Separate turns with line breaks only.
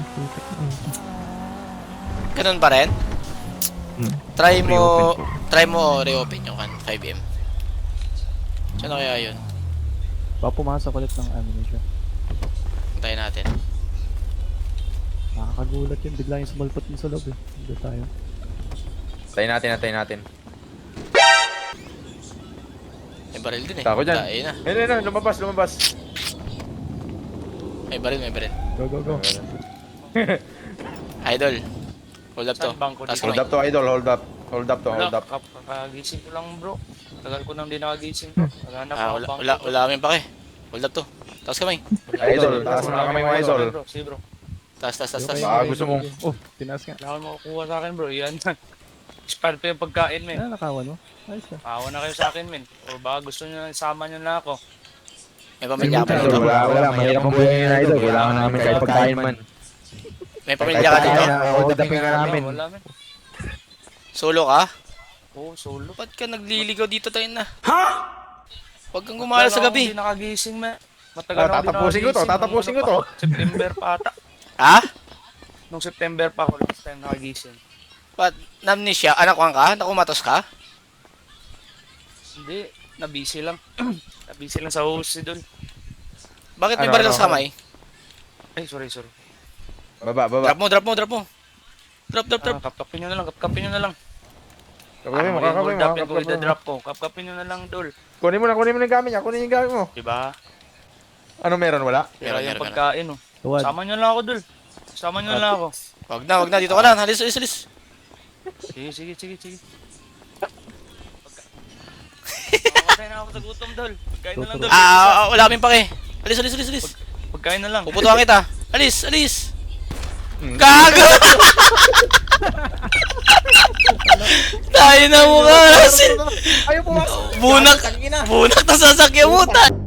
Ganun pa rin? Try mo reopen yung 5M. Saan na kaya yun?
Baka pumasok ulit ng ammunition.
Hintayin natin.
Nakakagulat yun, bigla yung sumalpot mo sa loob eh. Hindi tayo.
Tayo natin.
May baril din eh.
Tako dyan.
Tayo na.
Ayun, lumabas.
May baril.
Go.
Idol. Hold up to.
Saan bangko
Taas
dito?
kamay.
Hold up to, idol. Hold up.
Kakagising ko lang bro. Tagal ko nang di nakagising bro. Wala na pa
Wala kami pake. Hold up to. Taas kamay.
Idol, taas na kami mga idol.
Bro, si bro.
Taas.
Baka gusto mo.
Oh, tinaas nga.
Wala akong makukuha sa akin bro. Yan. Expired pa yung pagkain men.
Nakawan mo? Ayos na.
Awa na kayo sa akin men. O baka gusto nyo na sama nyo na ako.
May pamilya ka
Idol,
dito.
wala. Mahirap ang buhay ngayon, idol. Kailangan namin kahit pagkain man.
May pamilya ka dito.
Hold upin nga namin.
Wala men.
Solo ka?
Oo, solo.
Ba't ka nagliligaw dito tayo na? Ha? Huwag kang gumala sa gabi.
Hindi nakagising men. Matagal ako di
Tatapusin ko to.
September pa ata.
Ha?
Nung September pa ako last time nakagising.
Ba't namnesia? Anakuan ka? Nakumatos ka?
Hindi. Nabisi lang. Nabisi lang sa host doon.
Bakit may baril sa kamay?
Ay, sorry.
Baba.
Drop mo. Drop.
Kapkapin nyo na lang. Kapkapin
Kakawin mo.
Dapin ko drop ko. Kapkapin nyo na lang, dol.
Kunin mo yung gamit niya. Kunin yung gamit mo.
Diba?
Ano meron? Wala?
Pero
Meron
yung
ka na.
pagkain, oh.
Tuwad.
Sama nyo lang ako, dol. Sama nyo lang ako.
Wag na. Dito ka lang. Halis.
Sige. Pagkain na ako sa gutom, dol. Pagkain na lang, dol.
Wala kaming pake. Alis.
Pagkain na lang.
Puputuhan kita. Alis. Gago! Tayo na mukha.
Ayaw pumasok.
Bunak na sasakyan mo.